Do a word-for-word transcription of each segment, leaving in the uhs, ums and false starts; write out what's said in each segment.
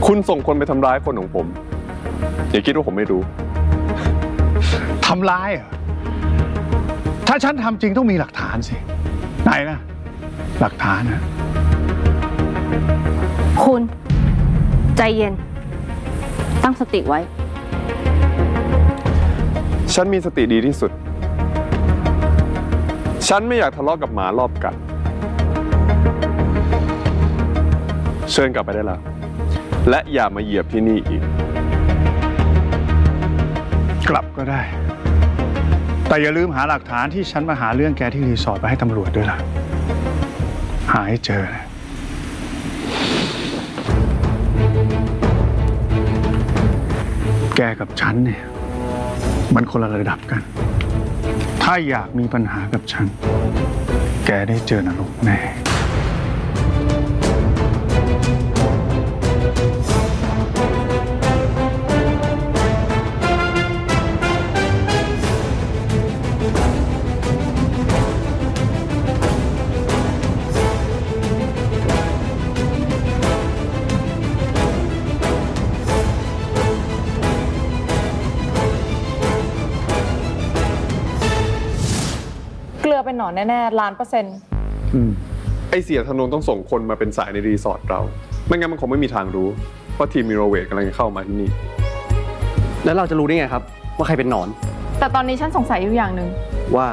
คุณส่งคนไปทำร้ายคนของผมอย่าคิดว่าผมไม่รู้ทำร้ายเหรอถ้าฉันทำจริงต้องมีหลักฐานสิไหนนะหลักฐานนะคุณใจเย็นตั้งสติไว้ฉันมีสติดีที่สุดฉันไม่อยากทะเลาะกับหมารอบกัดเชิญกลับไปได้แล้วและอย่ามาเหยียบที่นี่อีกกลับก็ได้แต่อย่าลืมหาหลักฐานที่ฉันมาหาเรื่องแกที่รีสอร์ทไปให้ตำรวจด้วยล่ะหาให้เจอนะแกกับฉันเนี่ยมันคนละระดับกันถ้าอยากมีปัญหากับฉันแกได้เจอนรกแน่เกลือเป็นหนอนแน่ๆล้านเปอร์เซ็นต์ไอเสียธนงต้องส่งคนมาเป็นสายในรีสอร์ทเราไม่งั้นมันคงไม่มีทางรู้ว่าทีมมิโรเวทกำลังจะเข้ามาที่นี่แล้วเราจะรู้ได้ไงครับว่าใครเป็นหนอนแต่ตอนนี้ฉันสงสัยอยู่อย่างหนึ่งว่า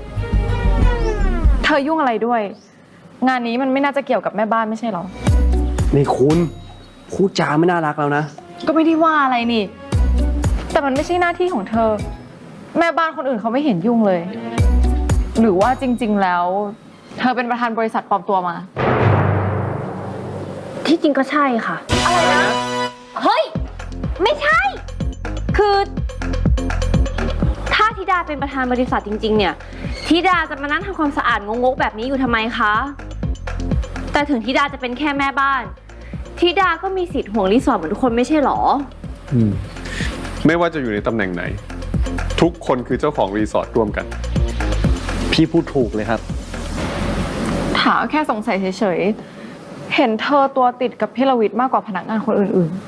เธอยุ่งอะไรด้วย งานนี้มันไม่น่าจะเกี่ยวกับแม่บ้านไม่ใช่หรอนี่คุณพูดจาไม่น่ารักแล้วนะก็ไม่ได้ว่าอะไรนี่แต่มันไม่ใช่หน้าที่ของเธอแม่บ้านคนอื่นเขาไม่เห็นยุ่งเลยหรือว่าจริงๆแล้วเธอเป็นประธานบริษัทปลอมตัวมาที่จริงก็ใช่ค่ะอะไรนะเฮ้ยไม่ใช่คือถ้าธิดาเป็นประธานบริษัทจริงๆเนี่ยธิดาจะมานั่งทำความสะอาดงกๆแบบนี้อยู่ทำไมคะแต่ถึงธิดาจะเป็นแค่แม่บ้านธิดาก็มีสิทธิ์ห่วงรีสอร์ทเหมือนทุกคนไม่ใช่หรออืมไม่ว่าจะอยู่ในตำแหน่งไหนทุกคนคือเจ้าของรีสอร์ทร่วมกันพี่พูดถูกเลยครับถามแค่สงสัยเฉยๆเห็นเธอตัวติดกับพี่ลวิทย์มากกว่าพนักงานคนอื่น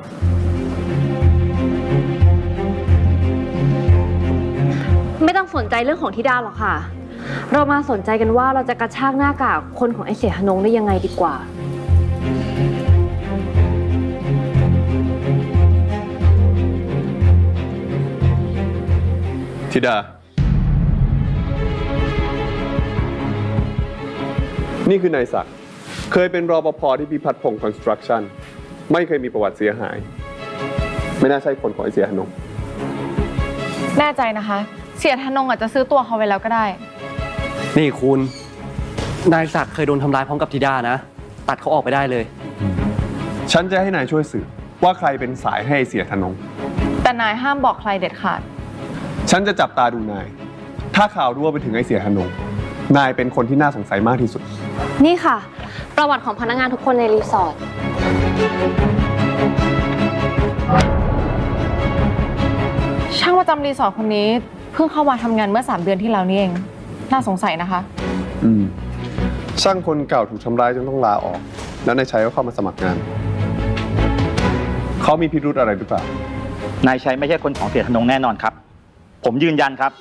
ๆไม่ต้องสนใจเรื่องของธิดาหรอกค่ะเรามาสนใจกันว่าเราจะกระชากหน้ากากคนของไอ้เสียหนงได้ยังไงดีกว่าธิดานี่คือนายศักดิ์เคยเป็นรปภที่พิพัฒน์พงศ์คอนสตรักชั่นไม่เคยมีประวัติเสียหายไม่น่าใช่คนของไอเสียธนงแน่ใจนะคะเสียธนงอาจจะซื้อตัวเขาไว้แล้วก็ได้นี่คุณนายศักดิ์เคยโดนทำร้ายพร้อมกับธิดานะตัดเขาออกไปได้เลยฉันจะให้นายช่วยสืบว่าใครเป็นสายให้เสียธนงแต่นายห้ามบอกใครเด็ดขาดฉันจะจับตาดูนายถ้าข่าวรั่วไปถึงไอเสียธนงนายเป็นคนที่น่าสงสัยมากที่สุดนี่ค่ะประวัติของพนักงานทุกคนในรีสอร์ทช่างประจำรีสอร์ทคนนี้เพิ่งเข้ามาทำงานเมื่อสามเดือนที่แล้วนี่เองน่าสงสัยนะคะอืมช่างคนเก่าถูกทำร้ายจนต้องลาออกแล้วนายชัยก็เข้ามาสมัครงานเขามีพิรุธอะไรหรือเปล่านายชัยไม่ใช่คนของเสียธนงแน่นอนครับผมยืนยันครับ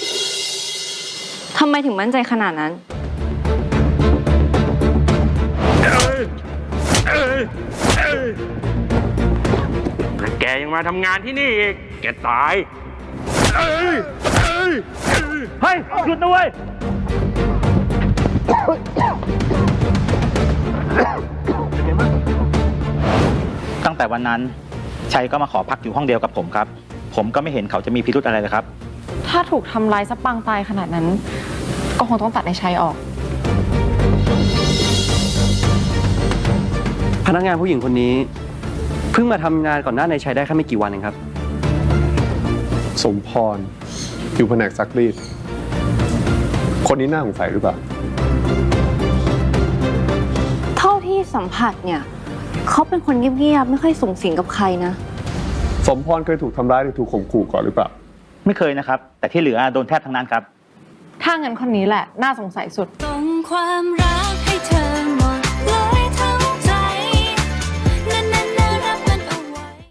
ทำไมถึงมั่นใจขนาดนั้นแกยังมาทำงานที่นี่อีกแกตายเฮ้ยหยุดนะเว้ยตั้งแต่วันนั้นชัยก็มาขอพักอยู่ห้องเดียวกับผมครับผมก็ไม่เห็นเขาจะมีพิรุธอะไรเลยครับถ้าถูกทำร้ายซะปางตายขนาดนั้นก็คงต้องตัดในชัยออกพนักงานผู้หญิงคนนี้เพิ่งมาทำงานก่อนหน้าในชัยได้แค่ไม่กี่วันเองครับสมพรอยู่แผนกซักรีดคนนี้น่าสงสัยหรือเปล่าเท่าที่สัมผัสเนี่ยเขาเป็นคนเงียบๆไม่ค่อยสูงสิงกับใครนะสมพรเคยถูกทำร้ายหรือถูกข่มขู่ก่อนหรือเปล่าไม่เคยนะครับแต่ที่เหลือโดนแทบทั้งนั้นครับถ้างั้นคนนี้แหละน่าสงสัยสุดส่งความรักให้เธอ